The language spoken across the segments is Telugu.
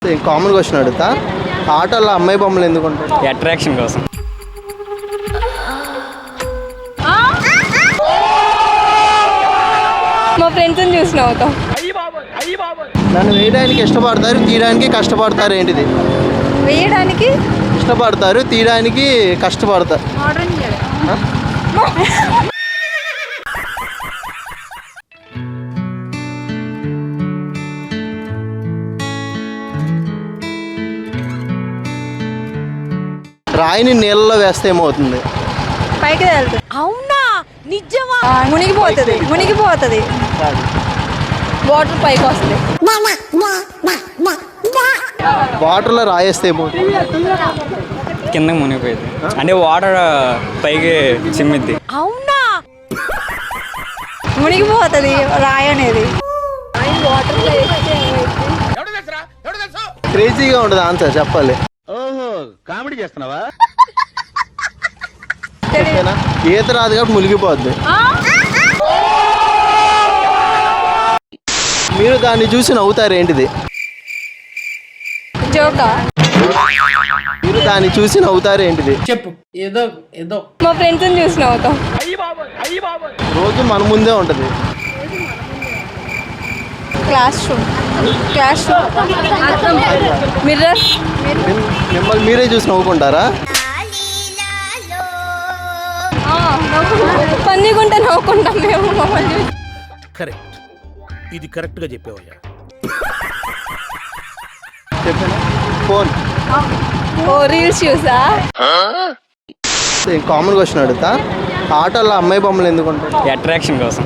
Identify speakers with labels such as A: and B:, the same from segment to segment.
A: కామన్ క్వశ్చన్ అడుగుతా, ఆటోలో అమ్మాయి బొమ్మలు ఎందుకు ఉంటాయి?
B: అట్రాక్షన్ కోసం.
C: మా ఫ్రెండ్స్ని చూసి నవ్వుతాం.
A: నన్ను వేయడానికి ఇష్టపడతారు, తీయడానికి కష్టపడతారు, ఏంటిది?
C: వేయడానికి
A: ఇష్టపడతారు, తీయడానికి కష్టపడతారు. ఆ? రాయిని నీళ్ళలో వేస్తే ఏమవుతుంది?
C: పైకి వెళ్తుంది.
D: అవునా నిజమా?
C: మునిగిపోతుంది. మునిగిపోతుంది. వాటర్ పైకి వస్తుంది.
A: వాటర్లో రాయేస్తే ఏమవుతుంది?
B: కిందకి మునిగిపోయింది అంటే వాటర్ పైకి చిమ్మిద్ది.
D: అవునా
C: మునిగిపోతుంది రాయి అనేది.
A: క్రేజీగా ఉండదు ఆన్సర్, చెప్పాలి.
E: కామెడీ చేస్తున్నావా?
A: ఓకేనా? ఈత రాదు కాబట్టి మునిగిపోద్ది. మీరు దాన్ని చూసి నవ్వుతారు, ఏంటిది?
C: జోకా.
A: మీరు దాన్ని చూసి నవ్వుతారు, ఏంటిది?
F: చెప్పు. ఏదో ఏదో
C: మా ఫ్రెండ్స్ని చూసి నవ్వుతాం.
A: రోజు మన ముందే ఉంటుంది.
C: Class room. మిర్రర్.
A: మిమ్మల్ని మీరే చూసి నవ్వుకుంటారా?
C: పందిగుంటే నవ్వుకుంటాం మేము మమ్మల్ని చూసి.
E: కరెక్ట్, ఇది కరెక్ట్ గా చెప్పావయ్యా.
A: చెప్పానా? ఫోన్.
C: ఓ రీల్స్ చూసా.
A: కామన్ క్వశ్చన్ అడుగుతా, ఆటోలో అమ్మాయి బొమ్మలు ఎందుకు ఉంటాయి?
B: అట్రాక్షన్ కోసం.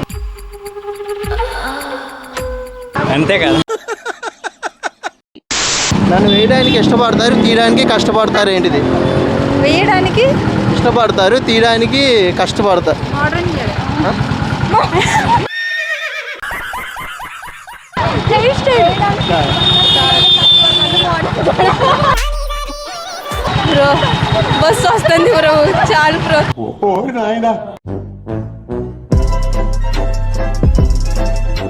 B: అంతే కదా.
A: నన్ను వేయడానికి ఇష్టపడతారు, తీయడానికి కష్టపడతారు, ఏంటిది?
C: వేయడానికి
A: ఇష్టపడతారు, తీయడానికి కష్టపడతారు. ఆ?
C: బ్రో బస్సు వస్తుంది బ్రో, చాలు బ్రో.